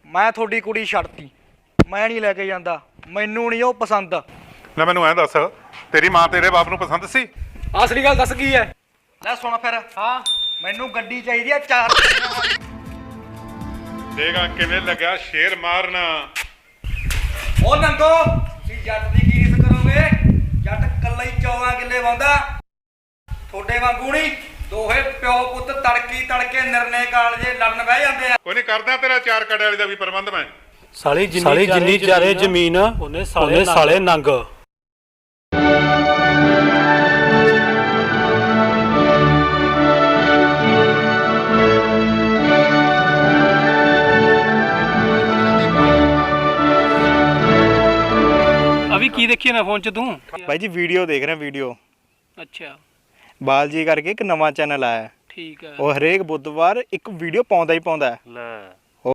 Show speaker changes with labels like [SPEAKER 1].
[SPEAKER 1] ਮੈਂ ਤੁਹਾਡੀ ਕੁੜੀ ਛੱਡਤੀ, ਮੈਂ ਨਹੀਂ ਲੈ ਕੇ ਜਾਂਦਾ, ਮੈਨੂੰ ਨਹੀਂ ਉਹ ਪਸੰਦ।
[SPEAKER 2] ਲੈ ਮੈਨੂੰ ਐਂ ਦੱਸ, ਤੇਰੀ ਮਾਂ ਤੇਰੇ ਬਾਪ ਨੂੰ ਪਸੰਦ ਸੀ?
[SPEAKER 3] ਅਸਲੀ ਗੱਲ ਦੱਸ ਕੀ ਹੈ?
[SPEAKER 1] ਲੈ ਸੁਣ ਫਿਰ।
[SPEAKER 3] ਹਾਂ
[SPEAKER 1] ਮੈਨੂੰ ਗੱਡੀ ਚਾਹੀਦੀ ਆ 4
[SPEAKER 2] ਦੇਖਾ ਕਿਵੇਂ ਲੱਗਿਆ ਸ਼ੇਰ ਮਾਰਨਾ।
[SPEAKER 1] ਉਹ ਨੰਗੋ, ਤੁਸੀਂ ਜੱਟ ਦੀ ਕੀ ਰੀਸ ਕਰੋਗੇ? ਜੱਟ ਕੱਲਾ ਹੀ 14 ਕਿੱਲੇ ਵਾਉਂਦਾ, ਤੁਹਾਡੇ ਵਾਂਗੂ ਨਹੀਂ। ਦੋਹੇ ਪਿਓ ਪੁੱਤ ਤੜਕੇ ਨਿਰਣੇ ਕਾਲਜੇ ਲੜਨ ਬਹਿ ਜਾਂਦੇ ਆ।
[SPEAKER 2] ਕੋਈ ਨਹੀਂ, ਕਰਦਾ ਤੇਰਾ 4 ਕੜੇ ਵਾਲੀ ਦਾ ਵੀ ਪ੍ਰਬੰਧ ਮੈਂ।
[SPEAKER 3] ਸਾਲੀ ਜਿੰਨੀ ਚਾਰੇ ਜ਼ਮੀਨ ਉਹਨੇ ਸਾਲੇ ਨੰਗ। ਅਭੀ ਕੀ ਦੇਖੀ ਨਾ ਫੋਨ 'ਚ ਤੂੰ?
[SPEAKER 1] ਭਾਈ ਜੀ ਵੀਡੀਓ ਦੇਖ ਰਿਹਾ, ਵੀਡੀਓ।
[SPEAKER 3] ਅੱਛਾ
[SPEAKER 1] ਬਾਲ ਜੀ ਕਰਕੇ ਇੱਕ ਨਵਾਂ ਚੈਨਲ ਆਇਆ।
[SPEAKER 3] ਠੀਕ ਹੈ।
[SPEAKER 1] ਉਹ ਹਰੇਕ ਬੁੱਧਵਾਰ ਇੱਕ ਵੀਡੀਓ ਪਾਉਂਦਾ ਹੀ ਪਾਉਂਦਾ।
[SPEAKER 3] ਲੈ